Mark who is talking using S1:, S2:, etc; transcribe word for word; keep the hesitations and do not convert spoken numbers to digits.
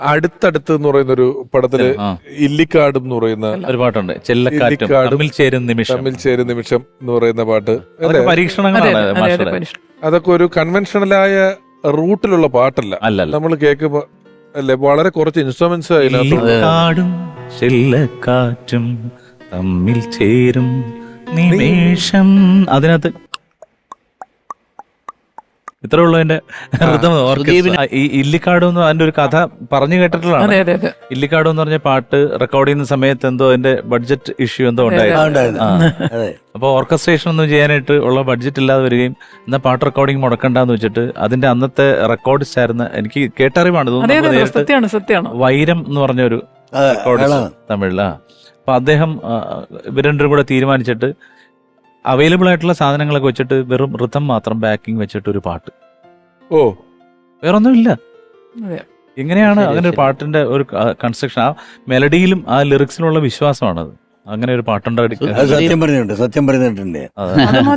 S1: അടുത്തടുത്ത് എന്ന് പറയുന്ന ഒരു പടത്തില് ഇല്ലിക്കാട് എന്ന് പറയുന്ന
S2: ഒരു പാട്ടുണ്ട്, ചെല്ലക്കാറ്റും തമ്മിൽ ചേരും നിമിഷം.
S1: തമ്മിൽ ചേരും നിമിഷം എന്ന് പറയുന്ന പാട്ട്
S2: പരീക്ഷണങ്ങളാണ്.
S1: അതൊക്കെ ഒരു കൺവെൻഷണലായ റൂട്ടിലുള്ള പാട്ടല്ല,
S2: അല്ലല്ല.
S1: നമ്മൾ കേൾക്കുമ്പോ അല്ലെ വളരെ കുറച്ച് ഇൻസ്ട്രുമെന്റ്സ്
S2: ഇല്ലിക്കാടും ചെല്ലക്കാറ്റും തമ്മിൽ ചേരും നിമിഷം, അതിനകത്ത് ഇത്ര ഉള്ളതിന്റെ ഈ ഇല്ലിക്കാട് എന്ന് അതിന്റെ ഒരു കഥ പറഞ്ഞു കേട്ടിട്ടുള്ളതാണ്. ഇല്ലിക്കാട് എന്ന് പറഞ്ഞ പാട്ട് റെക്കോർഡ് ചെയ്യുന്ന സമയത്ത് എന്തോ അതിന്റെ ബഡ്ജറ്റ് ഇഷ്യൂ എന്തോ ഉണ്ടായിരുന്നു. അപ്പൊ ഓർക്കസ്ട്രേഷൻ ഒന്നും ചെയ്യാനായിട്ട് ഉള്ള ബഡ്ജറ്റ് ഇല്ലാതെ വരികയും എന്നാൽ പാട്ട് റെക്കോർഡിംഗ് മുടക്കണ്ടെന്ന് വെച്ചിട്ട് അതിന്റെ അന്നത്തെ റെക്കോർഡിസ്റ്റ് ആയിരുന്ന, എനിക്ക് കേട്ടറിവാണ് തോന്നുന്നത്, വൈരം എന്ന് പറഞ്ഞ ഒരു റെക്കോർഡിസ്റ്റ് തമിഴിലാ. അപ്പൊ അദ്ദേഹം ഇവരും കൂടെ തീരുമാനിച്ചിട്ട് അവൈലബിൾ ആയിട്ടുള്ള സാധനങ്ങളൊക്കെ വെച്ചിട്ട് വെറും ഋതം മാത്രം ബാക്കിംഗ് വെച്ചിട്ട് ഒരു പാട്ട്.
S1: ഓ,
S2: വേറൊന്നും ഇല്ല. എങ്ങനെയാണ് അങ്ങനെ ഒരു പാട്ടിന്റെ ഒരു കൺസ്ട്രക്ഷൻ? ആ മെലഡിയിലും ആ ലിറിക്സിലുള്ള വിശ്വാസമാണത്. അങ്ങനെ ഒരു പാട്ടുണ്ടാക്കി
S3: സത്യം പറഞ്ഞിട്ടുണ്ട്, സത്യം പറഞ്ഞിട്ടുണ്ട്.